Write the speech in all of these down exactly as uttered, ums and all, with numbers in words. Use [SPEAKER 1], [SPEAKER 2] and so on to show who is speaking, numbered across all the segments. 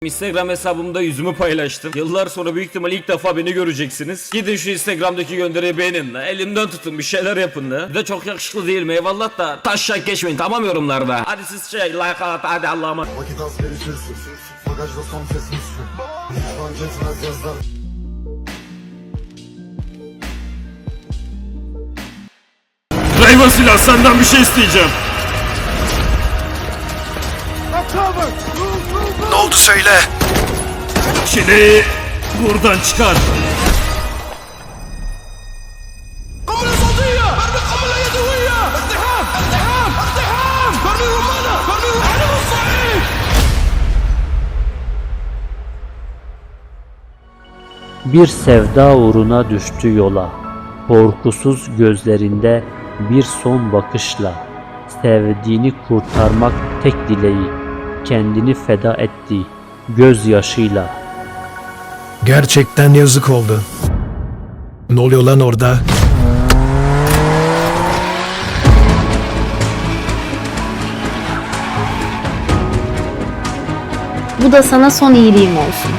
[SPEAKER 1] Instagram hesabımda yüzümü paylaştım. Yıllar sonra büyük ihtimal ilk defa beni göreceksiniz. Gidin şu Instagram'daki gönderiyi beğenin la. Elimden tutun, bir şeyler yapın la. Bir de çok yakışıklı değil mi? Eyvallah da taşak geçmeyin, tamam yorumlarda. Hadi siz şey like at, hadi Allah'ıma.
[SPEAKER 2] Vakit az gelişirsin. Bagajda son ses Müslüm. Hiç etmez yazlar.
[SPEAKER 1] Driver silah, senden bir şey isteyeceğim.
[SPEAKER 3] Ne oldu söyle.
[SPEAKER 1] Çileği buradan çıkar.
[SPEAKER 4] Bir sevda uğruna düştü yola, korkusuz gözlerinde bir son bakışla, sevdiğini kurtarmak tek dileği, kendini feda etti gözyaşıyla.
[SPEAKER 3] Gerçekten yazık oldu. Ne oluyor lan orada?
[SPEAKER 5] Bu da sana son iyiliğim olsun.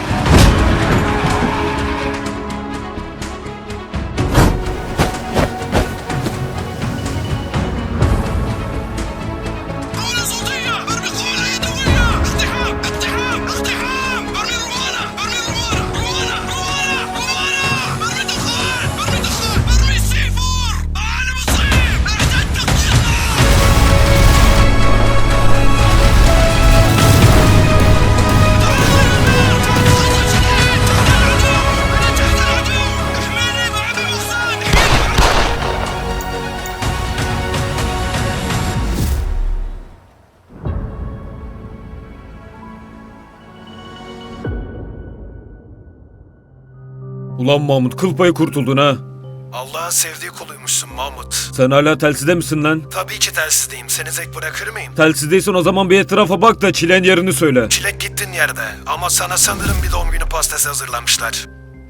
[SPEAKER 1] Ulan Mahmut, kıl payı kurtuldun ha.
[SPEAKER 3] Allah'a sevdiği kuluymuşsun Mahmut.
[SPEAKER 1] Sen hala telsizde misin lan?
[SPEAKER 3] Tabii ki telsizdeyim. Seni tek bırakır mıyım?
[SPEAKER 1] Telsizdeysen o zaman bir etrafa bak da çileğin yerini söyle.
[SPEAKER 3] Çilek gittin yerde. Ama sana sanırım bir doğum günü pastası hazırlamışlar.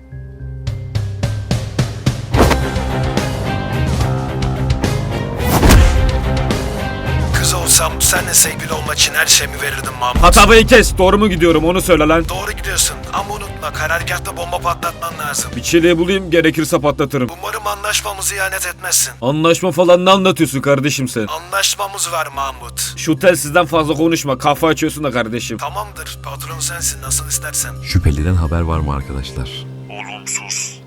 [SPEAKER 3] Kız olsam seninle sevgili olmak için her şeyimi verirdim Mahmut.
[SPEAKER 1] Hatabayı kes, doğru mu gidiyorum onu söyle lan.
[SPEAKER 3] Doğru gidiyorsun ama unutma, karargahta bomba patlatman lazım.
[SPEAKER 1] Bir çileği bulayım, gerekirse patlatırım.
[SPEAKER 3] Umarım anlaşmamızı ihanet etmezsin.
[SPEAKER 1] Anlaşma falan ne anlatıyorsun kardeşim sen?
[SPEAKER 3] Anlaşmamız var Mahmut.
[SPEAKER 1] Şu telsizden fazla konuşma, kafa açıyorsun da kardeşim.
[SPEAKER 3] Tamamdır, patron sensin, nasıl istersen.
[SPEAKER 6] Şüpheliden haber var mı arkadaşlar?
[SPEAKER 3] Olumsuz.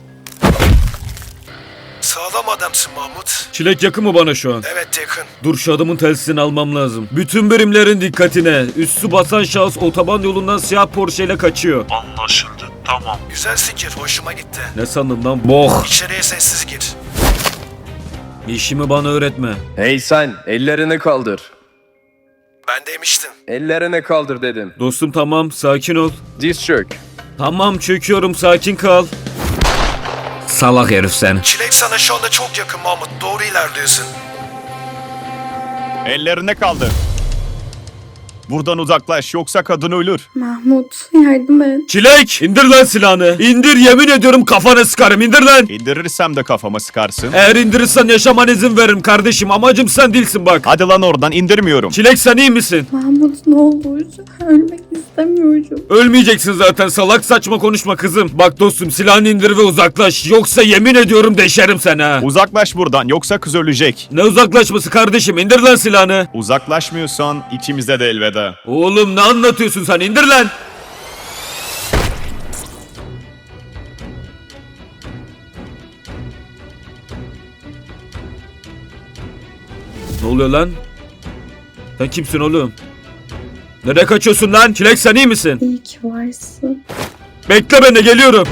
[SPEAKER 3] Sağlam adamsın Mahmut.
[SPEAKER 1] Çilek yakın mı bana şu an?
[SPEAKER 3] Evet, yakın.
[SPEAKER 1] Dur, şu adamın telsizini almam lazım. Bütün birimlerin dikkatine. Üstü basan şahıs otoban yolundan siyah Porsche ile kaçıyor.
[SPEAKER 7] Anlaşıldı, tamam.
[SPEAKER 3] Güzel fikir, hoşuma gitti.
[SPEAKER 1] Ne sandın lan? Boh!
[SPEAKER 3] İçeriye sessiz gir.
[SPEAKER 1] İşimi bana öğretme.
[SPEAKER 8] Hey sen, ellerini kaldır.
[SPEAKER 3] Ben demiştim.
[SPEAKER 8] Ellerini kaldır dedim.
[SPEAKER 1] Dostum tamam, sakin ol.
[SPEAKER 8] Diz çök.
[SPEAKER 1] Tamam, çöküyorum, sakin kal. Salak herif sen.
[SPEAKER 3] Çilek sana şu anda çok yakın Mahmut, doğru ilerliyorsun.
[SPEAKER 7] Ellerine kaldır. Buradan uzaklaş, yoksa kadın ölür.
[SPEAKER 5] Mahmut, yardım et.
[SPEAKER 1] Çilek! İndir lan silahını. İndir, yemin ediyorum kafana sıkarım. İndir lan.
[SPEAKER 7] İndirirsem de kafama sıkarsın.
[SPEAKER 1] Eğer indirirsen yaşaman izin veririm kardeşim. Amacım sen değilsin bak.
[SPEAKER 7] Hadi lan oradan, indirmiyorum.
[SPEAKER 1] Çilek, sen iyi misin?
[SPEAKER 5] Mahmut ne olur? Ölmek istemiyorum.
[SPEAKER 1] Ölmeyeceksin zaten, salak saçma konuşma kızım. Bak dostum, silahını indir ve uzaklaş. Yoksa yemin ediyorum deşerim seni ha.
[SPEAKER 7] Uzaklaş buradan, yoksa kız ölecek.
[SPEAKER 1] Ne uzaklaşması kardeşim, indir lan silahını.
[SPEAKER 7] Uzaklaşmıyorsan ikimize de elveda.
[SPEAKER 1] Oğlum ne anlatıyorsun sen, indir lan. Ne oluyor lan? Sen kimsin oğlum? Nereye kaçıyorsun lan? Çilek, sen iyi misin?
[SPEAKER 5] İyi ki varsın.
[SPEAKER 1] Bekle beni, geliyorum.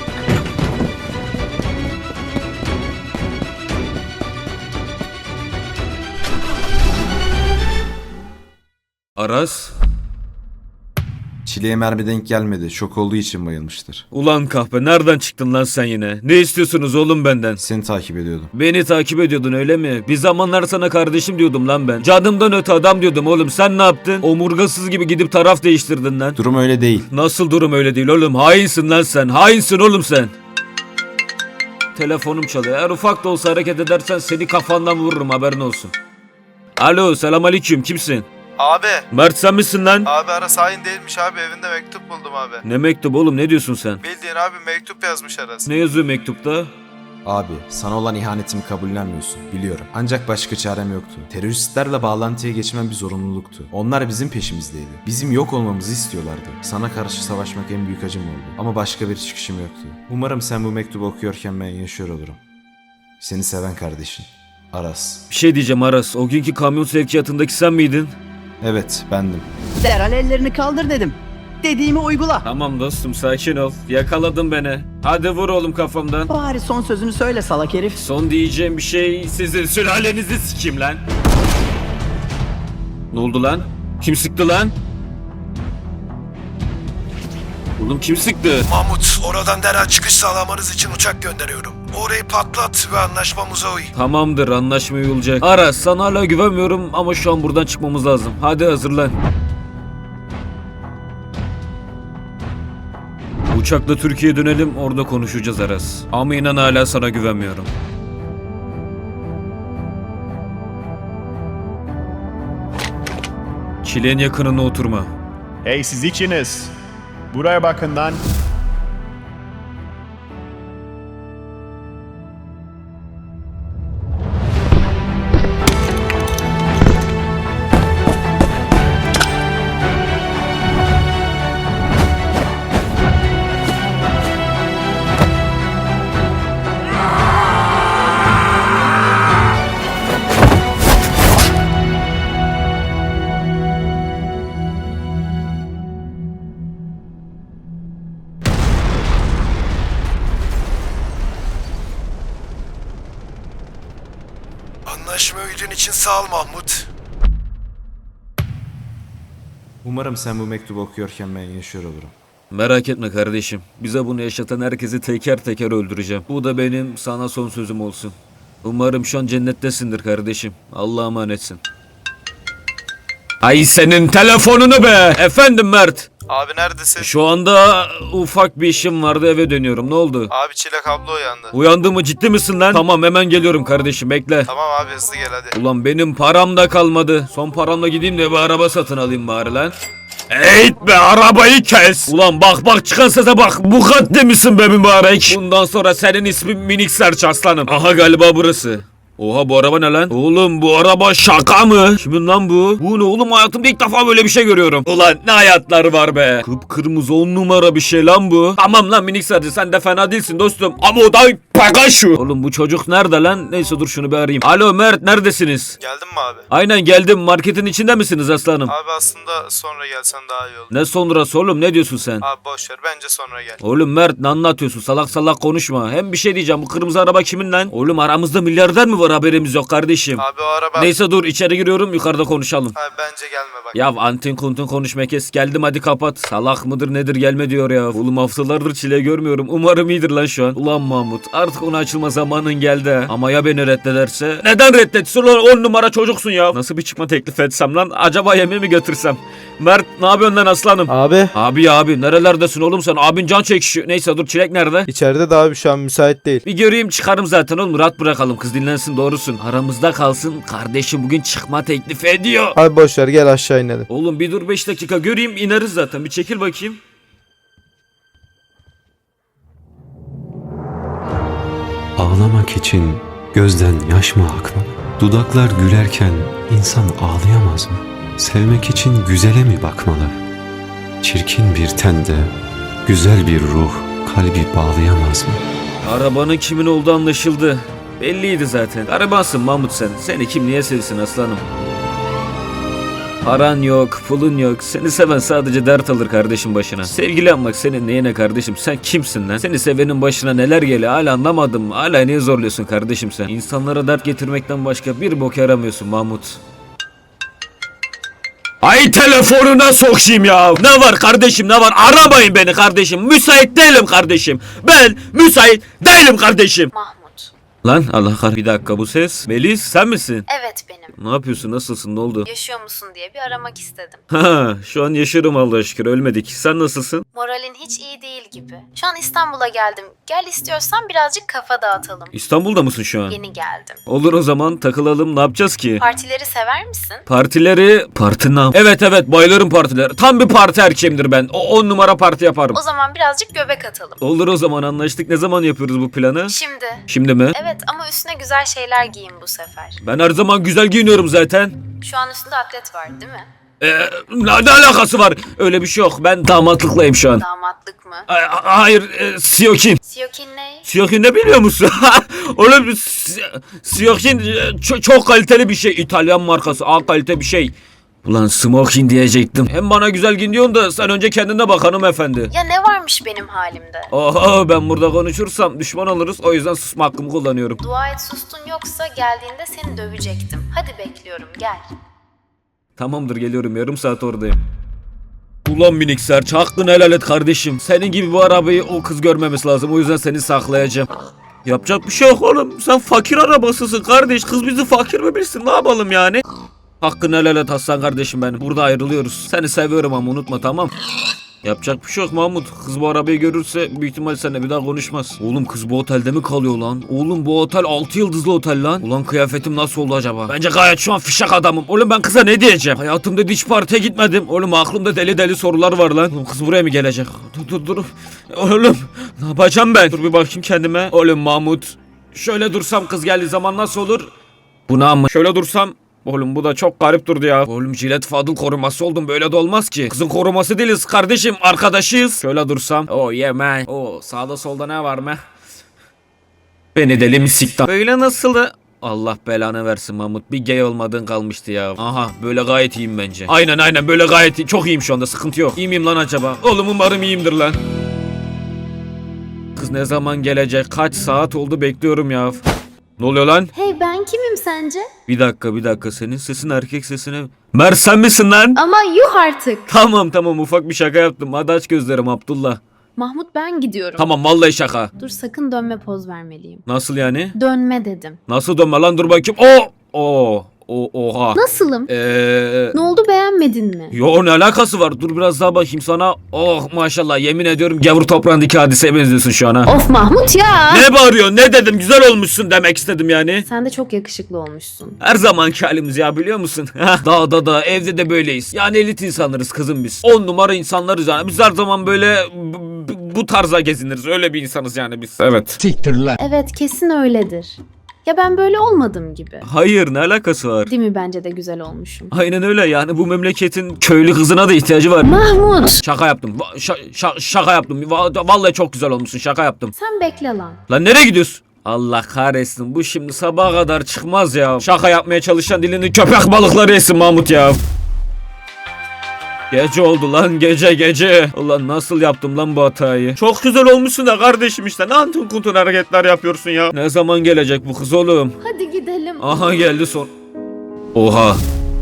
[SPEAKER 1] Aras?
[SPEAKER 9] Çileğe mermi denk gelmedi. Şok olduğu için bayılmıştır.
[SPEAKER 1] Ulan kahpe, nereden çıktın lan sen yine? Ne istiyorsunuz oğlum benden?
[SPEAKER 9] Seni takip ediyordum.
[SPEAKER 1] Beni takip ediyordun öyle mi? Bir zamanlar sana kardeşim diyordum lan ben. Canımdan öte adam diyordum oğlum, sen ne yaptın? Omurgasız gibi gidip taraf değiştirdin lan.
[SPEAKER 9] Durum öyle değil.
[SPEAKER 1] Nasıl durum öyle değil oğlum? Hainsin lan sen. Hainsin oğlum sen. Telefonum çalıyor. Eğer ufak da olsa hareket edersen seni kafandan vururum, haberin olsun. Alo, selamünaleyküm, kimsin?
[SPEAKER 2] Abi.
[SPEAKER 1] Mert sen misin lan?
[SPEAKER 2] Abi Aras hain değilmiş abi, evinde mektup buldum abi.
[SPEAKER 1] Ne mektup oğlum, ne diyorsun sen?
[SPEAKER 2] Bildiğin abi mektup yazmış Aras.
[SPEAKER 1] Ne yazıyor mektupta?
[SPEAKER 9] Abi sana olan ihanetimi kabullenmiyorsun biliyorum. Ancak başka çarem yoktu. Teröristlerle bağlantıya geçmem bir zorunluluktu. Onlar bizim peşimizdeydi. Bizim yok olmamızı istiyorlardı. Sana karşı savaşmak en büyük acım oldu. Ama başka bir çıkışım yoktu. Umarım sen bu mektubu okuyorken ben yaşıyor olurum. Seni seven kardeşin. Aras.
[SPEAKER 1] Bir şey diyeceğim Aras, o günkü kamyon sevkiyatındaki sen miydin?
[SPEAKER 9] Evet bendim.
[SPEAKER 10] Derhal ellerini kaldır dedim. Dediğimi uygula.
[SPEAKER 1] Tamam dostum, sakin ol. Yakaladın beni. Hadi vur oğlum kafamdan.
[SPEAKER 10] Bari son sözünü söyle salak herif.
[SPEAKER 1] Son diyeceğim bir şey, sizin sülalenizi sikeyim lan. Ne oldu lan? Kim sıktı lan? Oğlum kim sıktı?
[SPEAKER 3] Mahmut, oradan derhal çıkış sağlamanız için uçak gönderiyorum. Orayı patlat ve anlaşmamıza uy.
[SPEAKER 1] Tamamdır, anlaşma olacak. Aras, sana hala güvenmiyorum ama şu an buradan çıkmamız lazım. Hadi hazırlan. Uçakla Türkiye'ye dönelim, orada konuşacağız Aras. Ama inan hala sana güvenmiyorum. Çileğin yakınına oturma.
[SPEAKER 7] Hey siz ikiniz. Buraya bakın lan.
[SPEAKER 3] Anlaşma uydun için sağ ol Mahmut.
[SPEAKER 9] Umarım sen bu mektubu okuyorken ben yaşıyor olurum.
[SPEAKER 1] Merak etme kardeşim. Bize bunu yaşatan herkesi teker teker öldüreceğim. Bu da benim sana son sözüm olsun. Umarım şu an cennettesindir kardeşim. Allah'a emanetsin. Ay senin telefonunu be! Efendim Mert.
[SPEAKER 2] Abi neredesin?
[SPEAKER 1] Şu anda ufak bir işim vardı, eve dönüyorum. Ne oldu?
[SPEAKER 2] Abi Çilek abla uyandı.
[SPEAKER 1] Uyandın mı, ciddi misin lan? Tamam hemen geliyorum kardeşim, bekle.
[SPEAKER 2] Tamam abi hızlı gel hadi.
[SPEAKER 1] Ulan benim param da kalmadı. Son paramla gideyim de bir araba satın alayım bari lan. Eğit be, arabayı kes. Ulan bak bak, çıkan sese bak. Bu kadar misin be mübarek? Bundan sonra senin ismin Minik Serç aslanım. Aha galiba burası. Oha, bu araba ne lan? Oğlum bu araba şaka mı? Kimin lan bu? Bu ne oğlum, hayatımda ilk defa böyle bir şey görüyorum. Ulan ne hayatlar var be. Kıpkırmızı on numara bir şey lan bu. Tamam lan Minik Serç, sen de fena değilsin dostum. Ama o da Pagaşu. Oğlum bu çocuk nerede lan? Neyse dur şunu bir arayayım. Alo Mert, neredesiniz?
[SPEAKER 2] Geldin mi abi?
[SPEAKER 1] Aynen geldim. Marketin içinde misiniz aslanım?
[SPEAKER 2] Abi aslında sonra gelsen daha iyi olur.
[SPEAKER 1] Ne sonrası oğlum, ne diyorsun sen?
[SPEAKER 2] Abi boş ver, bence sonra gel.
[SPEAKER 1] Oğlum Mert, ne anlatıyorsun? Salak salak konuşma. Hem bir şey diyeceğim, bu kırmızı araba kimin lan? Oğlum aramızda milyarder mi var, haberimiz yok kardeşim.
[SPEAKER 2] Abi o araba...
[SPEAKER 1] Neyse dur, içeri giriyorum, yukarıda konuşalım.
[SPEAKER 2] Abi bence gelme bak.
[SPEAKER 1] Ya antin kuntun konuşma kes, geldim hadi kapat. Salak mıdır nedir, gelme diyor ya. Oğlum haftalardır çile görmüyorum, umarım iyidir lan şu an. Ulan Mahmut, artık onu açılma zamanın geldi ha. Ama ya beni reddederse? Neden reddetsin lan, on numara çocuksun ya. Nasıl bir çıkma teklif etsem lan, acaba yemeği mi götürsem? Mert ne yapıyorsun lan aslanım?
[SPEAKER 11] Abi
[SPEAKER 1] Abi ya abi, nerelerdesin oğlum sen? Abin can çekişiyor. Neyse dur, Çilek nerede?
[SPEAKER 11] içeride de abi şu an müsait değil.
[SPEAKER 1] Bir göreyim çıkarım zaten oğlum, rahat bırakalım, kız dinlensin, doğrusun. Aramızda kalsın, kardeşim bugün çıkma teklif ediyor.
[SPEAKER 11] Abi boş ver, gel aşağı inelim.
[SPEAKER 1] Oğlum bir dur, beş dakika göreyim, ineriz zaten, bir çekil bakayım.
[SPEAKER 6] Ağlamak için gözden yaş mı akmalı? Dudaklar gülerken insan ağlayamaz mı? Sevmek için güzele mi bakmalı? Çirkin bir tende güzel bir ruh kalbi bağlayamaz mı?
[SPEAKER 1] Arabanın kimin olduğu anlaşıldı. Belliydi zaten. Garibansın Mahmut sen. Seni kim niye sevsin aslanım? Paran yok, pulun yok. Seni seven sadece dert alır kardeşim başına. Sevgili yapmak senin neyine kardeşim? Sen kimsin lan? Seni sevenin başına neler geliyor? Hala anlamadım. Hala niye zorluyorsun kardeşim sen? İnsanlara dert getirmekten başka bir bok yaramıyorsun Mahmut. Ay telefonuna sokayım ya. Ne var kardeşim, ne var? Aramayın beni kardeşim. Müsait değilim kardeşim. Ben müsait değilim kardeşim.
[SPEAKER 5] Mahmut.
[SPEAKER 1] Lan Allah kahretsin. Bir dakika, bu ses. Melis sen misin?
[SPEAKER 5] Evet benim. benim.
[SPEAKER 1] Ne yapıyorsun? Nasılsın? Ne oldu?
[SPEAKER 5] Yaşıyor musun diye bir aramak istedim.
[SPEAKER 1] Ha, şu an yaşıyorum Allah'a şükür. Ölmedik. Sen nasılsın?
[SPEAKER 5] Moralin hiç iyi değil gibi. Şu an İstanbul'a geldim. Gel istiyorsan birazcık kafa dağıtalım.
[SPEAKER 1] İstanbul'da mısın şu an?
[SPEAKER 5] Yeni geldim.
[SPEAKER 1] Olur o zaman takılalım. Ne yapacağız ki?
[SPEAKER 5] Partileri sever misin?
[SPEAKER 1] Partileri... Parti nam. Evet evet bayılırım partiler. Tam bir parti erkeğimdir ben. O on numara parti yaparım.
[SPEAKER 5] O zaman birazcık göbek atalım.
[SPEAKER 1] Olur o zaman anlaştık. Ne zaman yapıyoruz bu planı?
[SPEAKER 5] Şimdi.
[SPEAKER 1] Şimdi mi?
[SPEAKER 5] Evet ama üstüne güzel şeyler giyin bu sefer.
[SPEAKER 1] Ben her zaman güzel giyiniyorum zaten.
[SPEAKER 5] Şu an üstünde atlet var değil mi?
[SPEAKER 1] Ee, ne, ne alakası var? Öyle bir şey yok. Ben damatlıklayım şu an.
[SPEAKER 5] Damatlık mı?
[SPEAKER 1] Ay, a- hayır, e, siyokin.
[SPEAKER 5] Siyokin ne?
[SPEAKER 1] Siyokin ne biliyor musun? Oğlum si- siyokin e, çok, çok kaliteli bir şey. İtalyan markası. A kalite bir şey. Ulan smoking diyecektim. Hem bana güzel giyin diyorsun da sen önce kendine bak hanımefendi.
[SPEAKER 5] Ya ne varmış benim halimde?
[SPEAKER 1] Oha ben burada konuşursam düşman oluruz. O yüzden susma hakkımı kullanıyorum.
[SPEAKER 5] Dua et sustun yoksa geldiğinde seni dövecektim. Hadi bekliyorum gel.
[SPEAKER 1] Tamamdır geliyorum yarım saat oradayım. Ulan minik serç hakkını helal et kardeşim. Senin gibi bu arabayı o kız görmemesi lazım. O yüzden seni saklayacağım. Yapacak bir şey yok oğlum. Sen fakir arabasısın kardeş. Kız bizi fakir mi bilsin ne yapalım yani? Hakkını helal et Hasan kardeşim benim. Burada ayrılıyoruz. Seni seviyorum ama unutma tamam. Yapacak bir şey yok Mahmut. Kız bu arabayı görürse büyük ihtimal seninle bir daha konuşmaz. Oğlum kız bu otelde mi kalıyor lan? Oğlum bu otel altı yıldızlı otel lan. Ulan kıyafetim nasıl oldu acaba? Bence gayet şu an fişek adamım. Oğlum ben kıza ne diyeceğim? Hayatımda hiç partiye gitmedim. Oğlum aklımda deli deli sorular var lan. Oğlum kız buraya mı gelecek? Dur dur dur. Oğlum ne yapacağım ben? Dur bir bakayım kendime. Oğlum Mahmut. Şöyle dursam kız geldiği zaman nasıl olur? Buna ama şöyle dursam. Oğlum bu da çok garip durdu ya. Oğlum Jilet Fadıl koruması oldum böyle de olmaz ki. Kızın koruması değiliz kardeşim arkadaşıyız. Şöyle dursam. Oh yeah man. Oh sağda solda ne var mı? Beni deli mi siktan? Böyle nasıldı? Allah belanı versin Mahmut. Bir gay olmadığın kalmıştı ya. Aha böyle gayet iyiyim bence. Aynen aynen böyle gayet iyi. Çok iyiyim şu anda sıkıntı yok. İyi miyim lan acaba? Oğlum umarım iyiyimdir lan. Kız ne zaman gelecek? Kaç saat oldu bekliyorum ya. Ne oluyor lan?
[SPEAKER 5] Hey ben kimim sence?
[SPEAKER 1] Bir dakika bir dakika senin sesin erkek sesine. Mer sen misin lan?
[SPEAKER 5] Ama yuh artık.
[SPEAKER 1] Tamam tamam ufak bir şaka yaptım. Hadi aç gözlerim Abdullah.
[SPEAKER 5] Mahmut ben gidiyorum.
[SPEAKER 1] Tamam vallahi şaka.
[SPEAKER 5] Dur sakın dönme poz vermeliyim.
[SPEAKER 1] Nasıl yani?
[SPEAKER 5] Dönme dedim.
[SPEAKER 1] Nasıl dönme lan dur bakayım. Oo! Oo! O oha.
[SPEAKER 5] Nasılım?
[SPEAKER 1] Eee...
[SPEAKER 5] Ne oldu beğenmedin mi?
[SPEAKER 1] Yo ne alakası var? Dur biraz daha bakayım sana. Oh maşallah yemin ediyorum gavur toprağındaki hadiseye benziyorsun şu an ha.
[SPEAKER 5] Of Mahmut ya.
[SPEAKER 1] Ne bağırıyorsun? Ne dedim? Güzel olmuşsun demek istedim yani.
[SPEAKER 5] Sen de çok yakışıklı olmuşsun.
[SPEAKER 1] Her zamanki halimiz ya biliyor musun? Dağda da evde de böyleyiz. Yani elit insanlarız kızım biz. On numara insanlarız yani. Biz her zaman böyle b- b- bu tarza geziniriz. Öyle bir insanız yani biz. Evet.
[SPEAKER 5] Evet kesin öyledir. Ya ben böyle olmadım gibi.
[SPEAKER 1] Hayır ne alakası var?
[SPEAKER 5] Değil mi bence de güzel olmuşum.
[SPEAKER 1] Aynen öyle yani bu memleketin köylü kızına da ihtiyacı var.
[SPEAKER 5] Mahmut.
[SPEAKER 1] Şaka yaptım. Va- şa- şa- şaka yaptım. Va- Vallahi çok güzel olmuşsun. Şaka yaptım.
[SPEAKER 5] Sen bekle lan.
[SPEAKER 1] Lan nereye gidiyorsun? Allah kahretsin. Bu şimdi sabaha kadar çıkmaz ya. Şaka yapmaya çalışan dilini köpek balıkları yesin Mahmut ya. Gece oldu lan gece gece. Ulan nasıl yaptım lan bu hatayı? Çok güzel olmuşsun da kardeşim işte. Ne antun kuntun hareketler yapıyorsun ya. Ne zaman gelecek bu kız oğlum?
[SPEAKER 5] Hadi gidelim.
[SPEAKER 1] Aha geldi son. Oha.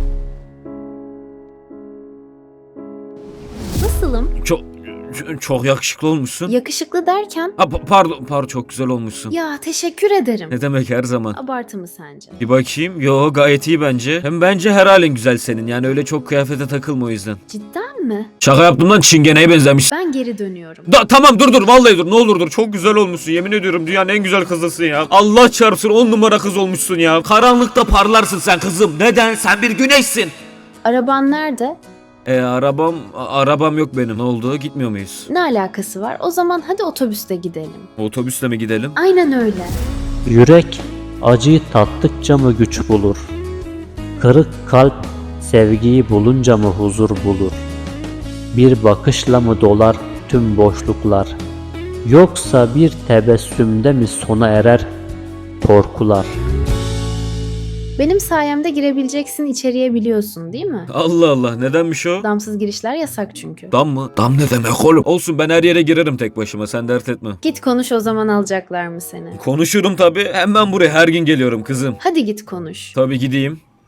[SPEAKER 5] Nasılım?
[SPEAKER 1] Çok çok yakışıklı olmuşsun.
[SPEAKER 5] Yakışıklı derken?
[SPEAKER 1] Ha, pa- pardon pardon çok güzel olmuşsun.
[SPEAKER 5] Ya teşekkür ederim.
[SPEAKER 1] Ne demek her zaman.
[SPEAKER 5] Abartı mı sence?
[SPEAKER 1] Bir bakayım. Yo gayet iyi bence. Hem bence her halin güzel senin. Yani öyle çok kıyafete takılma o yüzden.
[SPEAKER 5] Cidden mi?
[SPEAKER 1] Şaka yaptım lan çingeneye benzemiş.
[SPEAKER 5] Ben geri dönüyorum.
[SPEAKER 1] Da, tamam dur dur vallahi dur ne olur dur. Çok güzel olmuşsun yemin ediyorum dünyanın en güzel kızısın ya. Allah çarpsın on numara kız olmuşsun ya. Karanlıkta parlarsın sen kızım. Neden? Sen bir güneşsin.
[SPEAKER 5] Araban nerede?
[SPEAKER 1] E arabam a- arabam yok benim. Ne oldu? Gitmiyor muyuz?
[SPEAKER 5] Ne alakası var? O zaman hadi otobüste gidelim.
[SPEAKER 1] Otobüsle mi gidelim?
[SPEAKER 5] Aynen öyle.
[SPEAKER 4] Yürek acıyı tattıkça mı güç bulur? Kırık kalp sevgiyi bulunca mı huzur bulur? Bir bakışla mı dolar tüm boşluklar? Yoksa bir tebessümde mi sona erer korkular?
[SPEAKER 5] Benim sayemde girebileceksin içeriye biliyorsun değil mi?
[SPEAKER 1] Allah Allah nedenmiş o?
[SPEAKER 5] Damsız girişler yasak çünkü.
[SPEAKER 1] Dam mı? Dam ne demek oğlum? Olsun ben her yere girerim tek başıma sen dert etme.
[SPEAKER 5] Git konuş o zaman alacaklar mı seni?
[SPEAKER 1] Konuşurum tabi. Hemen buraya her gün geliyorum kızım.
[SPEAKER 5] Hadi git konuş.
[SPEAKER 1] Tabi gideyim.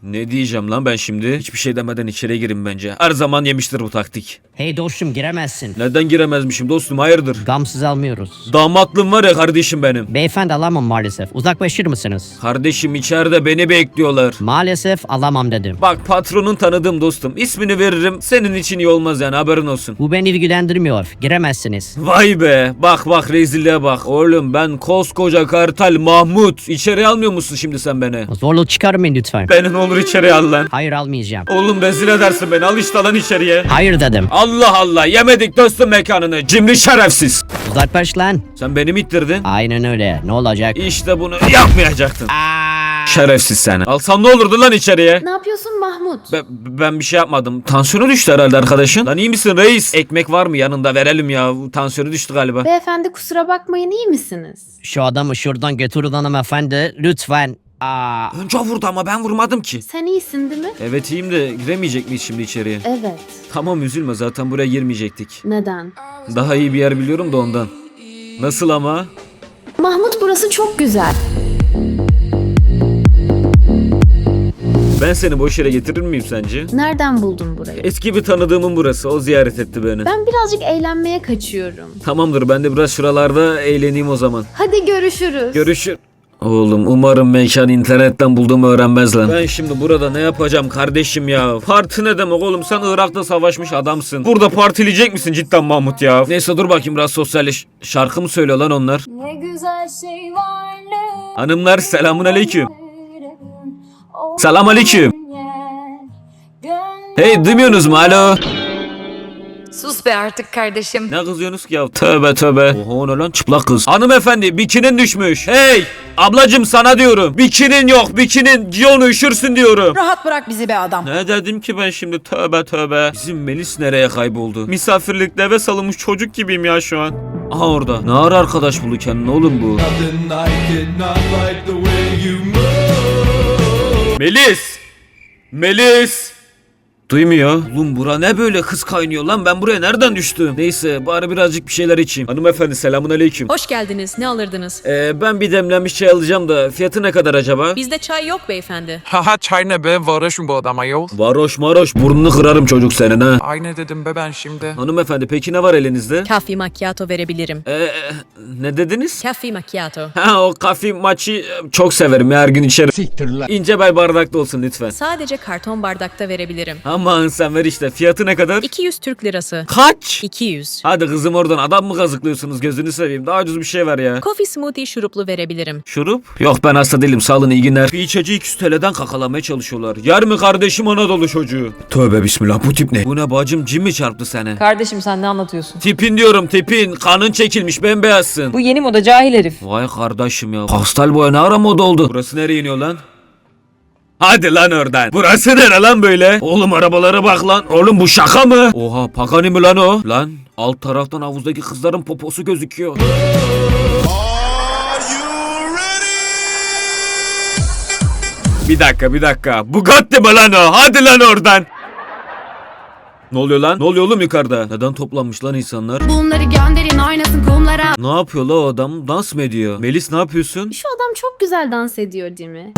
[SPEAKER 1] Ne diyeceğim lan ben şimdi? Hiçbir şey demeden içeri girin bence. Her zaman yemiştir bu taktik.
[SPEAKER 10] Hey dostum giremezsin.
[SPEAKER 1] Neden giremezmişim dostum, hayırdır?
[SPEAKER 10] Gamsız almıyoruz.
[SPEAKER 1] Damatlığım var ya kardeşim benim.
[SPEAKER 10] Beyefendi alamam maalesef. Uzaklaşır mısınız?
[SPEAKER 1] Kardeşim içeride beni bekliyorlar.
[SPEAKER 10] Maalesef alamam dedim.
[SPEAKER 1] Bak patronun tanıdığım dostum. İsmini veririm. Senin için iyi olmaz yani, haberin olsun.
[SPEAKER 10] Bu beni ilgilendirmiyor. Giremezsiniz.
[SPEAKER 1] Vay be. Bak bak rezilliğe bak. Oğlum ben koskoca kartal Mahmut. İçeri almıyor musun şimdi sen beni?
[SPEAKER 10] Zorluk çıkarmayın lütfen.
[SPEAKER 1] Beni ne olur içeri al lan.
[SPEAKER 10] Hayır almayacağım.
[SPEAKER 1] Oğlum rezil edersin beni. Al işte lan içeriye.
[SPEAKER 10] Hayır dedim.
[SPEAKER 1] Allah Allah. Yemedik dostum mekanını. Cimri şerefsiz.
[SPEAKER 10] Uzaklaş lan.
[SPEAKER 1] Sen beni mi ittirdin?
[SPEAKER 10] Aynen öyle. Ne olacak?
[SPEAKER 1] İşte bunu yapmayacaktın. Şerefsiz seni. Alsam ne olurdu lan içeriye?
[SPEAKER 5] Ne yapıyorsun Mahmut?
[SPEAKER 1] Ben, ben bir şey yapmadım. Tansiyonu düştü herhalde arkadaşın. Lan iyi misin reis? Ekmek var mı yanında, verelim ya. Tansiyonu düştü galiba.
[SPEAKER 5] Beyefendi kusura bakmayın, iyi misiniz?
[SPEAKER 10] Şu adamı şuradan götürün hanımefendi. Lütfen. Aa.
[SPEAKER 1] Önce o vurdu ama ben vurmadım ki.
[SPEAKER 5] Sen iyisin değil mi?
[SPEAKER 1] Evet iyiyim de giremeyecek miyiz şimdi içeriye?
[SPEAKER 5] Evet.
[SPEAKER 1] Tamam üzülme, zaten buraya girmeyecektik.
[SPEAKER 5] Neden?
[SPEAKER 1] Daha iyi bir yer biliyorum da ondan. Nasıl ama?
[SPEAKER 5] Mahmut burası çok güzel.
[SPEAKER 1] Ben seni boş yere getirir miyim sence?
[SPEAKER 5] Nereden buldun burayı?
[SPEAKER 1] Eski bir tanıdığımın burası. O ziyaret etti beni.
[SPEAKER 5] Ben birazcık eğlenmeye kaçıyorum.
[SPEAKER 1] Tamamdır, ben de biraz şuralarda eğleneyim o zaman.
[SPEAKER 5] Hadi görüşürüz.
[SPEAKER 1] Görüşür. Oğlum umarım mekan internetten bulduğumu öğrenmez lan. Ben şimdi burada ne yapacağım kardeşim ya? Parti ne demek oğlum? Sen Irak'ta savaşmış adamsın. Burada partileyecek misin cidden Mahmut ya? Neyse dur bakayım biraz sosyalleş. Şarkı mı söylüyor lan onlar?
[SPEAKER 12] Ne güzel şey varlık.
[SPEAKER 1] Hanımlar selamun aleyküm. Selam aleyküm. Hey duymuyorsunuz mu? Alo.
[SPEAKER 12] Sus be artık kardeşim.
[SPEAKER 1] Ne kızıyorsunuz ki ya? Tövbe tövbe. Oha ne lan çıplak kız. Hanımefendi bikinin düşmüş. Hey ablacım sana diyorum. Bikinin yok, bikinin. Giyonu üşürsün diyorum.
[SPEAKER 10] Rahat bırak bizi be adam.
[SPEAKER 1] Ne dedim ki ben şimdi, tövbe tövbe. Bizim Melis nereye kayboldu? Misafirlikte eve salınmış çocuk gibiyim ya şu an. Aha orada. Ne ara arkadaş buldu kendine oğlum bu? Melis! Melis! Duymuyor. Oğlum bura ne böyle kız kaynıyor lan, ben buraya nereden düştüm? Neyse bari birazcık bir şeyler içeyim. Hanımefendi selamun aleyküm.
[SPEAKER 12] Hoş geldiniz. Ne alırdınız?
[SPEAKER 1] Ee, ben bir demlenmiş çay alacağım da fiyatı ne kadar acaba?
[SPEAKER 12] Bizde çay yok beyefendi.
[SPEAKER 13] Haha çay ne be, varoşum bu adama yol.
[SPEAKER 1] Varoş maroş burnunu kırarım çocuk senin ha.
[SPEAKER 13] Ay ne dedim be ben şimdi.
[SPEAKER 1] Hanımefendi peki ne var elinizde?
[SPEAKER 12] Kafi macchiato verebilirim.
[SPEAKER 1] Ee, ne dediniz?
[SPEAKER 12] Kafi macchiato.
[SPEAKER 1] Ha o kafi maçı çok severim ya, her gün içerim. Siktir lan. İnce bel bardakta olsun lütfen.
[SPEAKER 12] Sadece karton bardakta verebilirim.
[SPEAKER 1] Aman sen ver işte, fiyatı ne kadar?
[SPEAKER 12] iki yüz Türk lirası.
[SPEAKER 1] Kaç?
[SPEAKER 12] iki yüz.
[SPEAKER 1] Hadi kızım oradan adam mı kazıklıyorsunuz, gözünü seveyim, daha ucuz bir şey ver ya.
[SPEAKER 12] Coffee smoothie şuruplu verebilirim.
[SPEAKER 1] Şurup? Yok ben hasta değilim, sağ olun, iyi günler. Bir içeceği iki yüz T L'den kakalamaya çalışıyorlar. Yer mi kardeşim Anadolu çocuğu? Tövbe bismillah, bu tip ne? Bu ne bacım, cin mi çarptı seni?
[SPEAKER 12] Kardeşim sen ne anlatıyorsun?
[SPEAKER 1] Tipin diyorum tipin, kanın çekilmiş bembeyazsın.
[SPEAKER 12] Bu yeni moda cahil herif.
[SPEAKER 1] Vay kardeşim ya, pastel boya ne ara moda oldu? Burası nereye iniyor lan? Hadi lan oradan. Burası nere lan böyle? Oğlum arabalara bak lan. Oğlum bu şaka mı? Oha Pagani mi lan o? Lan alt taraftan havuzdaki kızların poposu gözüküyor. Bir dakika bir dakika. Bugatti mi lan o? Hadi lan oradan. Ne oluyor lan? Ne oluyor oğlum yukarıda? Neden toplanmış lan insanlar?
[SPEAKER 5] Bunları gönderin oynasın kumlara.
[SPEAKER 1] Ne yapıyor la o adam? Dans mı ediyor? Melis ne yapıyorsun?
[SPEAKER 5] Şu adam çok güzel dans ediyor değil mi?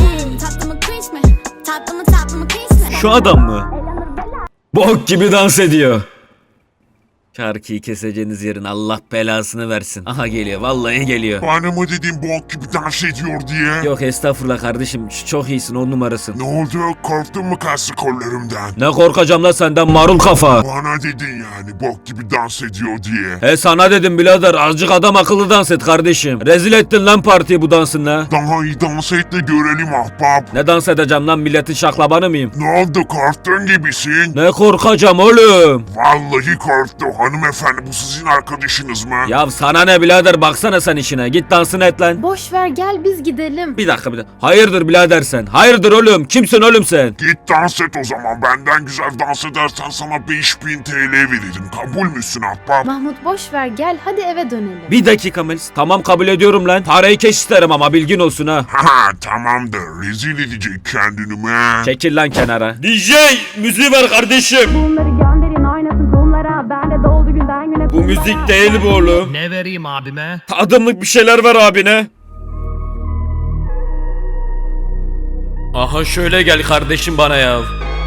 [SPEAKER 1] Şu adam mı? Bok gibi dans ediyor. Şarkıyı keseceğiniz yerin Allah belasını versin. Aha geliyor, vallahi geliyor.
[SPEAKER 2] Bana mı dediğin bok gibi dans ediyor diye?
[SPEAKER 1] Yok estağfurullah kardeşim, ç- çok iyisin, on numarasın.
[SPEAKER 2] Ne oldu? Korktun mu kaslı kollarımdan?
[SPEAKER 1] Ne korkacağım la senden marul kafa.
[SPEAKER 2] Bana dedin yani bok gibi dans ediyor diye.
[SPEAKER 1] He sana dedim birader, azıcık adam akıllı dans et kardeşim. Rezil ettin lan partiyi bu dansınla.
[SPEAKER 2] Daha iyi dans et de görelim ahbap.
[SPEAKER 1] Ne dans edeceğim lan, milletin şaklabanı mıyım?
[SPEAKER 2] Ne oldu, korktun gibisin?
[SPEAKER 1] Ne korkacağım oğlum?
[SPEAKER 2] Vallahi korktu. Hanımefendi bu sizin arkadaşınız mı?
[SPEAKER 1] Ya sana ne birader, baksana sen işine, git dansını et lan.
[SPEAKER 5] Boş ver gel biz gidelim.
[SPEAKER 1] Bir dakika bir dakika. Hayırdır birader sen? Hayırdır oğlum? Kimsin oğlum sen?
[SPEAKER 2] Git dans et o zaman. Benden güzel dans edersen sana beş bin T L veririm. Kabul müsün ahbap?
[SPEAKER 5] Mahmut boş ver gel hadi eve dönelim.
[SPEAKER 1] Bir dakika Melis. Tamam kabul ediyorum lan. Parayı keş isterim ama bilgin olsun ha.
[SPEAKER 2] Haha tamamdır. Rezil edecek kendini mi?
[SPEAKER 1] Çekil lan kenara. D J müziği ver kardeşim.
[SPEAKER 5] Bunları gönderin oynasın kumlara. Ben de doldu günden güne.
[SPEAKER 1] Bu müzik değil bu oğlum.
[SPEAKER 10] Ne vereyim abime?
[SPEAKER 1] Adımlık bir şeyler ver abine. Aha şöyle gel kardeşim bana ya.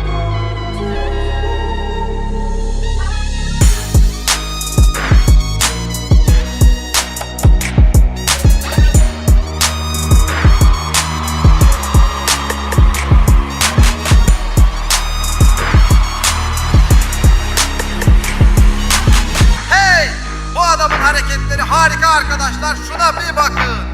[SPEAKER 3] Hey! Bu adamın hareketleri harika arkadaşlar. Şuna bir bakın.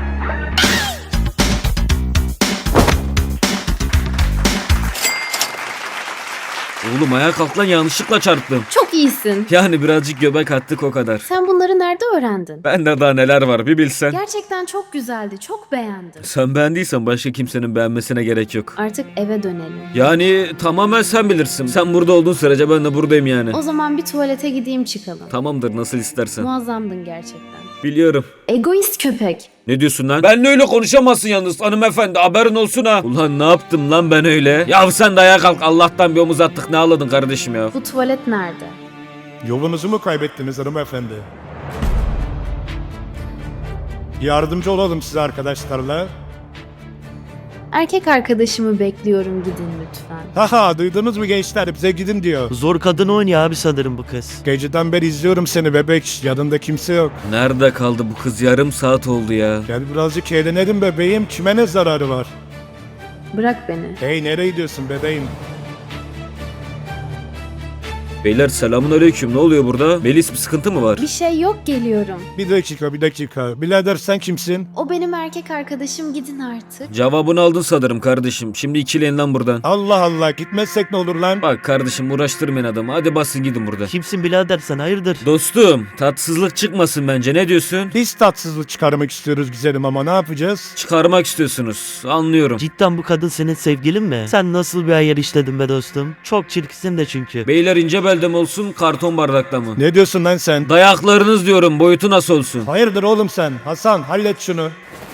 [SPEAKER 1] Oğlum ayağa kalk lan, yanlışlıkla çarptım.
[SPEAKER 5] Çok iyisin.
[SPEAKER 1] Yani birazcık göbek attık o kadar.
[SPEAKER 5] Sen bunları nerede öğrendin?
[SPEAKER 1] Bende daha neler var bir bilsen.
[SPEAKER 5] Gerçekten çok güzeldi. Çok beğendim.
[SPEAKER 1] Sen beğendiysen başka kimsenin beğenmesine gerek yok.
[SPEAKER 5] Artık eve dönelim.
[SPEAKER 1] Yani tamamen sen bilirsin. Sen burada olduğun sürece ben de buradayım yani.
[SPEAKER 5] O zaman bir tuvalete gideyim çıkalım.
[SPEAKER 1] Tamamdır, nasıl istersen.
[SPEAKER 5] Muazzamdın gerçekten.
[SPEAKER 1] Biliyorum.
[SPEAKER 5] Egoist köpek.
[SPEAKER 1] Ne diyorsun lan? Benle öyle konuşamazsın yalnız hanımefendi, haberin olsun ha. Ulan ne yaptım lan ben öyle? Ya sen de ayağa kalk, Allah'tan bir omuz attık, ne ağladın kardeşim ya.
[SPEAKER 5] Bu tuvalet nerede?
[SPEAKER 7] Yolunuzu mu kaybettiniz hanımefendi? Yardımcı olalım size arkadaşlarla.
[SPEAKER 5] Erkek arkadaşımı bekliyorum, gidin lütfen.
[SPEAKER 7] Haha, duydunuz mu gençler, bize gidin diyor.
[SPEAKER 10] Zor kadın oynuyor abi sanırım bu kız.
[SPEAKER 7] Geceden beri izliyorum seni bebek, yanında kimse yok.
[SPEAKER 1] Nerede kaldı bu kız, yarım saat oldu ya.
[SPEAKER 7] Gel birazcık eğlenelim bebeğim, kime ne zararı var?
[SPEAKER 5] Bırak beni.
[SPEAKER 7] Hey, nereye gidiyorsun bebeğim?
[SPEAKER 1] Beyler selamun aleyküm, ne oluyor burada? Melis, bir sıkıntı mı var?
[SPEAKER 5] Bir şey yok, geliyorum.
[SPEAKER 7] Bir dakika bir dakika, birader sen kimsin?
[SPEAKER 5] O benim erkek arkadaşım, gidin artık.
[SPEAKER 1] Cevabını aldın sanırım kardeşim. Şimdi ikileyin lan buradan.
[SPEAKER 7] Allah Allah, gitmezsek ne olur lan?
[SPEAKER 1] Bak kardeşim, uğraştırmayın adamı. Hadi basın gidin buradan.
[SPEAKER 10] Kimsin birader sen hayırdır?
[SPEAKER 1] Dostum, tatsızlık çıkmasın bence, ne diyorsun?
[SPEAKER 7] Biz tatsızlık çıkarmak istiyoruz güzelim ama ne yapacağız?
[SPEAKER 1] Çıkarmak istiyorsunuz. Anlıyorum.
[SPEAKER 10] Cidden bu kadın senin sevgilin mi? Sen nasıl bir ayar işledin be dostum? Çok çirkinsin de çünkü.
[SPEAKER 1] Beyler ince belde mi olsun, karton bardakta mı?
[SPEAKER 7] Ne diyorsun lan sen?
[SPEAKER 1] Dayaklarınız diyorum, boyutu nasıl olsun?
[SPEAKER 7] Hayırdır oğlum sen? Hasan hallet şunu.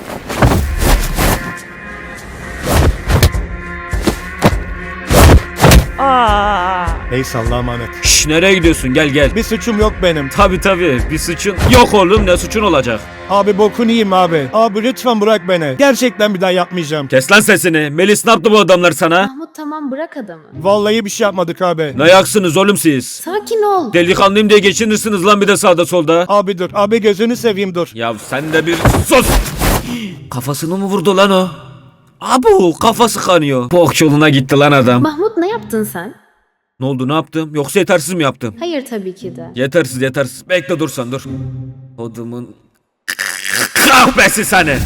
[SPEAKER 10] Aa!
[SPEAKER 7] Neyse Allah'a emanet.
[SPEAKER 1] Şş, nereye gidiyorsun, gel gel.
[SPEAKER 7] Bir suçum yok benim.
[SPEAKER 1] Tabi tabi, bir suçun yok oğlum, ne suçun olacak?
[SPEAKER 7] Abi bokunu yiyeyim abi. Abi lütfen bırak beni. Gerçekten bir daha yapmayacağım.
[SPEAKER 1] Kes lan sesini. Melis, ne yaptı bu adamlar sana?
[SPEAKER 5] Mahmut tamam, bırak adamı.
[SPEAKER 7] Vallahi bir şey yapmadık abi.
[SPEAKER 1] Ne yaksınız oğlum siz?
[SPEAKER 5] Sakin ol.
[SPEAKER 1] Delikanlıyım diye geçinirsiniz lan bir de sağda solda.
[SPEAKER 7] Abi dur. Abi gözünü seveyim dur.
[SPEAKER 1] Ya sen de bir sus. Kafasını mı vurdu lan o? Abu, kafası kanıyor. Bok yoluna gitti lan adam.
[SPEAKER 5] Mahmut, ne yaptın sen?
[SPEAKER 1] Ne oldu, ne yaptım? Yoksa yetersiz mi yaptım?
[SPEAKER 5] Hayır tabii ki de.
[SPEAKER 1] Yetersiz yetersiz. Bekle dursan dur. Odumun kahvesi seni.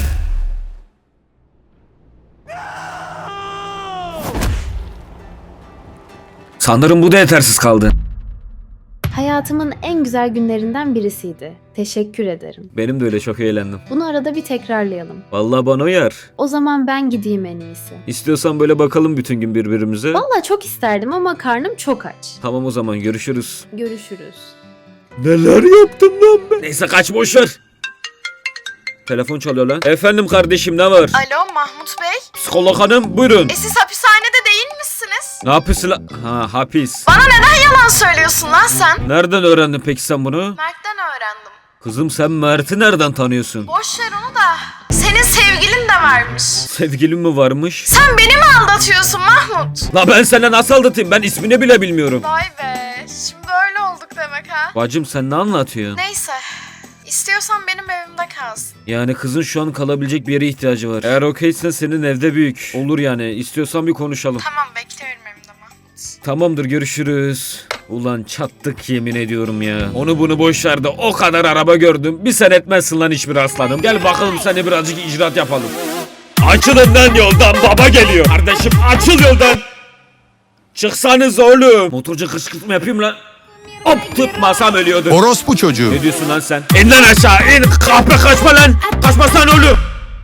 [SPEAKER 1] Sanırım bu da yetersiz kaldı.
[SPEAKER 5] Hayatımın en güzel günlerinden birisiydi. Teşekkür ederim.
[SPEAKER 1] Benim de öyle, çok eğlendim.
[SPEAKER 5] Bunu arada bir tekrarlayalım.
[SPEAKER 1] Vallahi bana uyar.
[SPEAKER 5] O zaman ben gideyim en iyisi.
[SPEAKER 1] İstiyorsan böyle bakalım bütün gün birbirimize.
[SPEAKER 5] Vallahi çok isterdim ama karnım çok aç.
[SPEAKER 1] Tamam o zaman, görüşürüz.
[SPEAKER 5] Görüşürüz.
[SPEAKER 1] Neler yaptım lan ben? Neyse kaç, boş ver. Telefon çalıyor lan. Efendim kardeşim, ne var?
[SPEAKER 14] Alo Mahmut Bey.
[SPEAKER 1] Psikolog hanım buyurun.
[SPEAKER 14] E siz hapishanede değil misiniz?
[SPEAKER 1] Ne yapıyorsun lan? Ha, hapis.
[SPEAKER 14] Bana neden yalan söylüyorsun lan sen?
[SPEAKER 1] Nereden öğrendin peki sen bunu?
[SPEAKER 14] Mert'ten öğrendim.
[SPEAKER 1] Kızım sen Mert'i nereden tanıyorsun?
[SPEAKER 14] Boş ver onu da. Senin sevgilin de varmış.
[SPEAKER 1] Sevgilin mi varmış?
[SPEAKER 14] Sen beni mi aldatıyorsun Mahmut?
[SPEAKER 1] La ben senden nasıl aldatayım? Ben ismini bile bilmiyorum.
[SPEAKER 14] Vay be. Şimdi öyle olduk demek ha.
[SPEAKER 1] Bacım sen ne anlatıyorsun?
[SPEAKER 14] Neyse. İstiyorsan benim evimde kalsın.
[SPEAKER 1] Yani kızın şu an kalabilecek bir yere ihtiyacı var. Eğer okeysen senin evde büyük. Olur yani. İstiyorsan bir konuşalım.
[SPEAKER 14] Tamam, bekliyorum evimde Mahmut.
[SPEAKER 1] Tamamdır, görüşürüz. Ulan çattık yemin ediyorum ya. Onu bunu boş ver de o kadar araba gördüm. Bir sen etmezsin lan hiçbir aslanım. Gel bakalım seni birazcık icraat yapalım. Açılın lan yoldan, baba geliyor. Kardeşim açıl yoldan. Çıksanız oğlum. Motorcu kışkırtma yapayım lan. Hop, tutmasam ölüyordu.
[SPEAKER 2] Orospu çocuğu.
[SPEAKER 1] Ne diyorsun lan sen? İn lan aşağı in. Kahpe kaçma lan. Kaçmasana oğlum.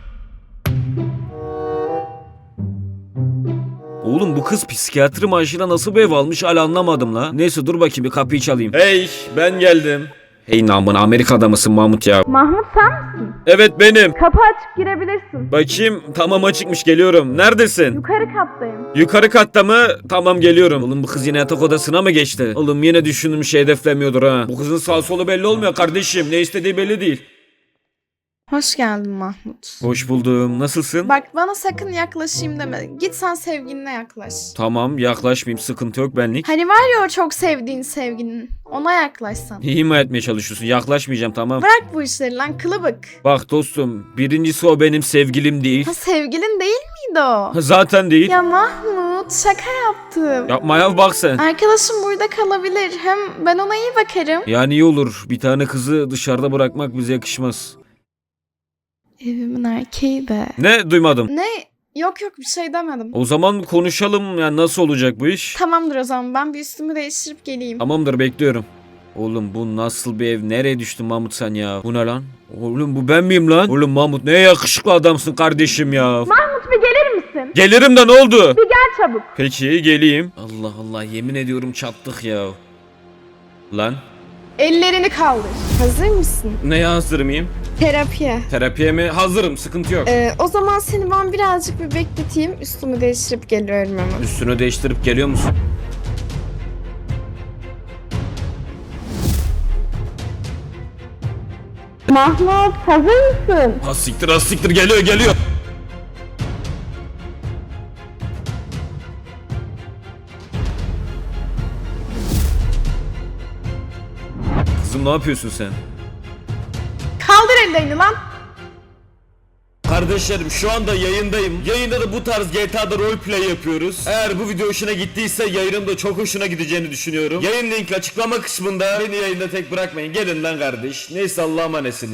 [SPEAKER 1] Oğlum bu kız psikiyatri maaşıyla nasıl bir ev almış hala anlamadım la. Neyse dur bakayım bir kapıyı çalayım. Hey ben geldim. Hey namına Amerika'da mısın Mahmut ya?
[SPEAKER 14] Mahmut sen misin?
[SPEAKER 1] Evet benim.
[SPEAKER 14] Kapı açık, girebilirsin.
[SPEAKER 1] Bakayım tamam açıkmış, geliyorum. Neredesin?
[SPEAKER 14] Yukarı kattayım.
[SPEAKER 1] Yukarı katta mı? Tamam geliyorum. Oğlum bu kız yine yatak odasına mı geçti? Oğlum yine düşündüğüm şey hedeflemiyordur ha. Bu kızın sağ solu belli olmuyor kardeşim. Ne istediği belli değil.
[SPEAKER 14] Hoş geldin Mahmut.
[SPEAKER 1] Hoş buldum. Nasılsın?
[SPEAKER 14] Bak bana sakın yaklaşayım deme. Git sen sevgiline yaklaş.
[SPEAKER 1] Tamam, yaklaşmayayım, sıkıntı yok benlik.
[SPEAKER 14] Hani var ya o çok sevdiğin sevgilinin. Ona yaklaşsan.
[SPEAKER 1] İma etmeye çalışıyorsun. Yaklaşmayacağım, tamam.
[SPEAKER 14] Bırak bu işleri lan kılıbık.
[SPEAKER 1] Bak dostum, birincisi o benim sevgilim değil.
[SPEAKER 14] Ha sevgilin değil miydi o?
[SPEAKER 1] Zaten değil.
[SPEAKER 14] Ya Mahmut şaka yaptım.
[SPEAKER 1] Yapma ya, bak sen.
[SPEAKER 14] Arkadaşım burada kalabilir. Hem ben ona iyi bakarım.
[SPEAKER 1] Yani iyi olur. Bir tane kızı dışarıda bırakmak bize yakışmaz.
[SPEAKER 14] Evimin erkeği de.
[SPEAKER 1] Ne? Duymadım.
[SPEAKER 14] Ne? Yok yok bir şey demedim.
[SPEAKER 1] O zaman konuşalım. Yani nasıl olacak bu iş?
[SPEAKER 14] Tamamdır o zaman ben bir üstümü değiştirip geleyim.
[SPEAKER 1] Tamamdır, bekliyorum. Oğlum bu nasıl bir ev? Nereye düştün Mahmut sen ya? Bu ne lan? Oğlum bu ben miyim lan? Oğlum Mahmut ne yakışıklı adamsın kardeşim ya.
[SPEAKER 14] Mahmut bir gelir misin?
[SPEAKER 1] Gelirim de ne oldu?
[SPEAKER 14] Bir gel çabuk.
[SPEAKER 1] Peki geleyim. Allah Allah, yemin ediyorum çattık ya. Lan
[SPEAKER 14] Ellerini kaldır. Hazır mısın?
[SPEAKER 1] neye hazır mıyım?
[SPEAKER 14] Terapiye.
[SPEAKER 1] Terapiye mi? Hazırım, sıkıntı yok.
[SPEAKER 14] Ee, o zaman seni ben birazcık bir bekleteyim. Üstümü değiştirip geliyorum hemen.
[SPEAKER 1] Üstünü değiştirip geliyor musun?
[SPEAKER 14] Mahmut hazır mısın?
[SPEAKER 1] Ha siktir, ha siktir, geliyor geliyor. Kızım ne yapıyorsun sen?
[SPEAKER 14] Kaldır ellerini lan.
[SPEAKER 1] Kardeşlerim şu anda yayındayım. Yayında da bu tarz G T A'da roleplay yapıyoruz. Eğer bu video hoşuna gittiyse yayının da çok hoşuna gideceğini düşünüyorum. Yayın linki açıklama kısmında. Beni yayında tek bırakmayın. Gelin lan kardeş. Neyse Allah'a emanetsiniz.